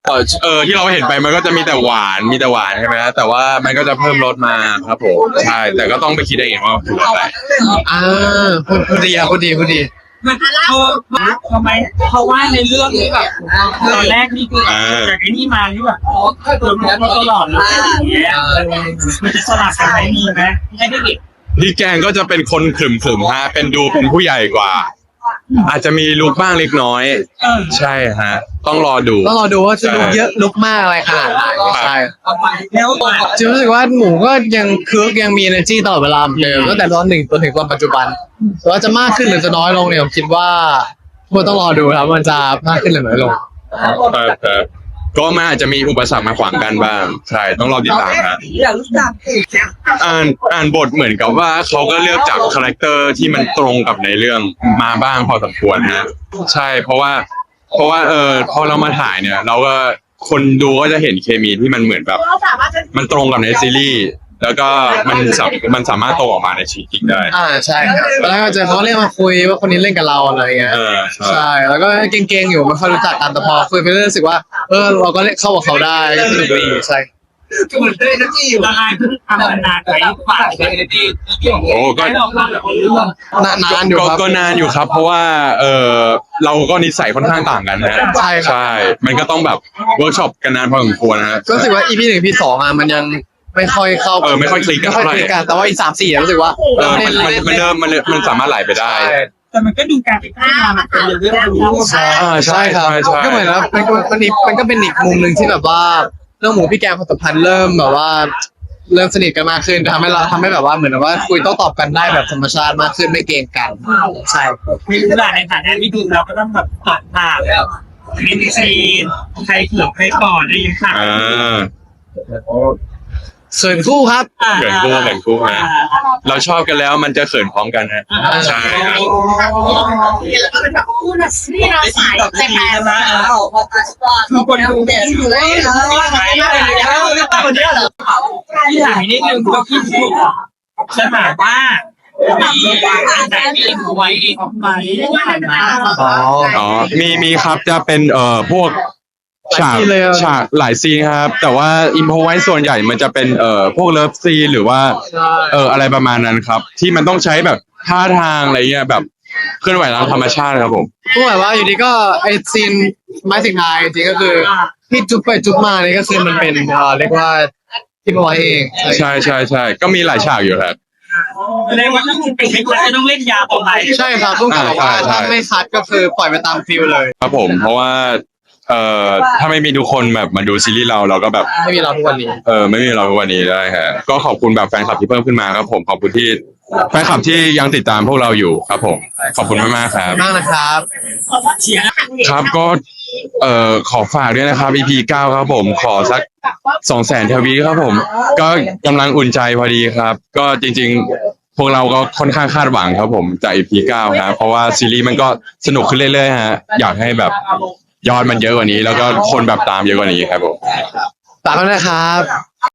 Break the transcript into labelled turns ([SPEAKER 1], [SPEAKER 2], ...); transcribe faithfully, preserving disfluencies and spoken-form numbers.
[SPEAKER 1] เออเออที่เราเห็นไปมันก็จะมีแต่หวานมีแต่หวานใช่ไหมแต่ว่ามันก็จะเพิ่มรสมาครับผมใช่แต่ก็ต้องไปคิดเองว่าคืออะไร
[SPEAKER 2] อ่าพูดพูดดีอะพูดดีพูดดี
[SPEAKER 3] มันเขาทำไมเขาว่าในเรื่องนี้แบบตอนแรกนี่คือจากไอ้นี่มาที่แบบอ๋อเคยโดนมาตลอดเลยมันจะสลับกันไหมมีไหมให้ได้เด็ก
[SPEAKER 1] พี่แกงก็จะเป็นคนขรึมๆฮะเป็นดูเป็นผู้ใหญ่กว่าอาจจะมีลุกบ้างเล็กน้อยใช่ฮะต้องรอดู
[SPEAKER 2] ต้องรอดูว่าจะลุกเยอะลุกมากอะไรขนาดไหนใช่
[SPEAKER 3] แล้ว
[SPEAKER 2] จะรู้สึกว่าหมูก็ยังคึกยังมี energy ตลอดเวลาเหมือนเดิมตั้งแต่ตอนหนึ่งจนถึงตอนปัจจุบันแต่ว่าจะมากขึ้นหรือจะน้อยลงเนี่ยผมคิดว่าควรต้องรอดูครับมันจะมากขึ้นหรือน้อยลง
[SPEAKER 1] ครับก็มันอาจจะมีอุปสรรคมาขวางกันบ้างใช่ต้องรอติดตามครับอ่านอ่านบทเหมือนกับว่าเขาก็เลือกจากคาแรคเตอร์ที่มันตรงกับในเรื่องมาบ้างพอสมควรนะใช่เพราะว่าเพราะว่าเออพอเรามาถ่ายเนี่ยเราก็คนดูก็จะเห็นเคมีที่มันเหมือนแบบมันตรงกับในซีรีส์แล้วก็มันมันสามารถโตออกมาในชีวิตจริงได้
[SPEAKER 2] อ่าใช่แล้วก็เจอเขาเรียกมาคุยว่าคนนี้เล่นกับเราอะไรเงี้ยใช่แล้วก็เก่งๆอยู่ไม่ค่อยรู้จักกันแต่พอคุยไปเรื่อยรู้สึกว่าเออเราก็เล่นเข้ากับเขาได้ก็สนุกดีใช่
[SPEAKER 3] เหมือนได้นะที่อยู่ละลายเพิ่งทำนานไปฝากเลยที่
[SPEAKER 1] โอ้ก็
[SPEAKER 2] นานนานอยู่ครับ
[SPEAKER 1] ก็นานอยู่ครับเพราะว่าเออเราก็นิสัยค่อนข้างต่างกันนะ
[SPEAKER 2] ใช่
[SPEAKER 1] ใช่มันก็ต้องแบบเวิร์กช็อปกันนานพอสมควรนะ
[SPEAKER 2] ก็รู้สึกว่า อี พี หนึ่ง อี พี สองอ่ะมันยังไม่ค่อยเข้า
[SPEAKER 1] เออไม่ค่อยคลิกกันเท่าไหร่
[SPEAKER 2] แต่ว่าอีสามสี่รู้สึกว่า
[SPEAKER 1] เออมันมันเริ่มมันมันสามารถไหลไปได้
[SPEAKER 3] แต่มันก็ดูการเป็นข้ามันเป็นเรื่องรู้
[SPEAKER 2] ใช่ใช่ครับก็เหมือนแล้วมันมันอีกมันก็เป็นอีกมุมหนึ่งที่แบบว่าเรื่องหมูพี่แกงความสัมพันธ์เริ่มแบบว่าเริ่มสนิทกันมากขึ้นทำให้เราทำให้แบบว่าเหมือนว่าคุยโต้ตอบกันได้แบบธรรมชาติมากขึ้นไม่เกรงกันใช่
[SPEAKER 3] มีเวลาในฐานะที่ดูเราก็ต้องแบบตัดผ่านแล้วมีซีนใครเขือบใครปอดได้ยังค่ะ
[SPEAKER 2] เขินคู่ครับ
[SPEAKER 1] เขินคู่เขินคู่ฮะเราชอบกันแล้วมันจะเขินพร้อมกันฮะใช่ครับ
[SPEAKER 3] แล้วก็เป็นแบบคู่นะนี่เราสายแต่แพ้มาทุกคนดูเด่นเลยหายเลยแล้วคนเดียวเหรอที่หายนี่คือตัวที่ถูกจะหมายว่ามีการแต่งเองไว้เองไหม
[SPEAKER 1] อ๋อมีมีครับจะเป็นเอ่อพวกฉากฉากหลายซีนครับแต่ว่าอิมโพไว้ส่วนใหญ่มันจะเป็นเอ่อพวกเลิฟซีนหรือว่าเอออะไรประมาณนั้นครับที่มันต้องใช้แบบท่าทางอะไรเงี้ยแบบเคลื่อนไหวตามธรรมชาติครับผม
[SPEAKER 2] ก็หมายว่าอยู่ดีก็ไอซีนไม้สิงหายจริงก็คือที่จุ๊บไปจุ๊บมานี่ก็คือมันเป็นเอ่อเรียกว่าที่พอยเอง
[SPEAKER 1] ใช่ใช่ใช่ก็มีหลายฉากอยู่ครับ
[SPEAKER 3] ในวันที่คุณเป็นคนจะต้องเล่นยาต่อไป
[SPEAKER 2] ใช่ครับต้องบอกว่าถ้าไม่คัดก็คือปล่อยไปตามฟิลเลย
[SPEAKER 1] ครับผมเพราะว่าเอ่อถ้าไม่มีทุกคนแบบมาดูซีรีส์เราเราก็แบบ
[SPEAKER 2] ไม่มีเราทุกวันนี้
[SPEAKER 1] เออไม่มีเราทุกวันนี้ได้ฮะก็ขอบคุณแบบแฟนคลับที่เพิ่มขึ้นมาครับผมขอบคุณที่แฟนคลับที่ยังติดตามพวกเราอยู่ครับผมขอบคุณมากมากครับ
[SPEAKER 2] มากนะครับ
[SPEAKER 1] ครับก็เอ่อขอฝากด้วยนะครับ อี พี เก้าครับผมขอสักสองแสนทวีครับผมก็กำลังอุ่นใจพอดีครับก็จริงๆพวกเราก็ค่อนข้างคาดหวังครับผมจาก อี พี เก้าครับเพราะว่าซีรีส์มันก็สนุกขึ้นเรื่อยๆฮะอยากให้แบบยอดมันเยอะกว่านี้แล้วก็คนแบบตามเยอะกว่านี้ครับผม
[SPEAKER 2] ตามมาเลยครับ